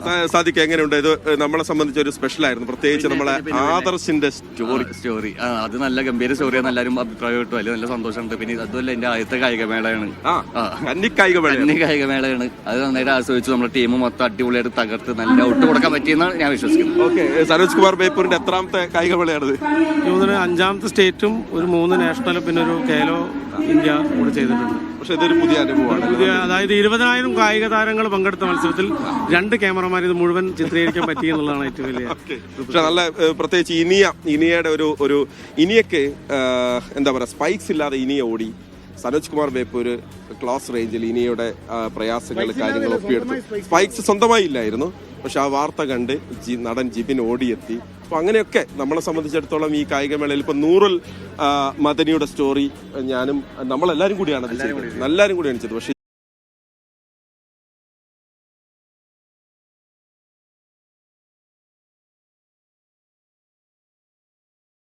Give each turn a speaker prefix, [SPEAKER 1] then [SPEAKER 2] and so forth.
[SPEAKER 1] സാദിക്ക് എങ്ങനെയുണ്ട്? ഇത് നമ്മളെ സംബന്ധിച്ച് ഒരു സ്പെഷ്യൽ ആയിരുന്നു, പ്രത്യേകിച്ച് നമ്മളെ ആദർശിന്റെ സ്റ്റോറി.
[SPEAKER 2] അത് നല്ല ഗംഭീര സ്റ്റോറിയാണ്, എല്ലാവരും അഭിപ്രായം കിട്ടും, അതിൽ നല്ല സന്തോഷമുണ്ട്. പിന്നെ അതുമല്ല എന്റെ ആദ്യത്തെ കായികമേളയാണ്, കായികമേളയാണ്. അത് നന്നായിട്ട് ആസ്വദിച്ചു. നമ്മുടെ ടീം മൊത്തം അടിപൊളിയായിട്ട് തകർത്ത് നല്ല ഔട്ട് കൊടുക്കാൻ പറ്റിയെന്നാണ് ഞാൻ വിശ്വസിക്കുന്നത്.
[SPEAKER 1] ഓക്കെ, സനോജ് കുമാർ ബേപ്പൂരിന്റെ എത്രാമത്തെ കായികമേളയാണിത്?
[SPEAKER 3] 5ാമത്തെ സ്റ്റേറ്റും ഒരു 3 നാഷണലും പിന്നെ ഒരു കേലോ ഇന്ത്യ കൂടെ ചെയ്തിട്ടുണ്ട്.
[SPEAKER 1] പക്ഷെ ഇതൊരു പുതിയ അനുഭവമാണ്.
[SPEAKER 3] അതായത് 20,000 കായിക താരങ്ങൾ പങ്കെടുത്ത മത്സരത്തിൽ 2 ക്യാമറമാർ ഇത് മുഴുവൻ ചിത്രീകരിക്കാൻ പറ്റി എന്നുള്ളതാണ് ഏറ്റവും വലിയ.
[SPEAKER 1] പക്ഷെ നല്ല, പ്രത്യേകിച്ച് ഇനിയയുടെ ഒരു ഇനിയക്ക് എന്താ പറയുക, സ്പൈക്സ് ഇല്ലാതെ ഇനിയ ഓടി. സനോജ് കുമാർ ബേപ്പൂര് ക്ലാസ് റേഞ്ചിൽ ഇനിയുടെ പ്രയാസങ്ങൾ കാര്യങ്ങൾ ഒപ്പിയെടുത്തു. സ്പൈക്സ് സ്വന്തമായി ഇല്ലായിരുന്നു, പക്ഷെ ആ വാർത്ത കണ്ട് നടൻ ജിബിൻ ഓടിയെത്തി. അപ്പോൾ അങ്ങനെയൊക്കെ നമ്മളെ സംബന്ധിച്ചിടത്തോളം ഈ കായികമേളയിൽ ഇപ്പം നൂറുൽ മദനിയുടെ സ്റ്റോറി ഞാനും നമ്മളെല്ലാവരും കൂടിയാണ് ചെയ്തത്, പക്ഷെ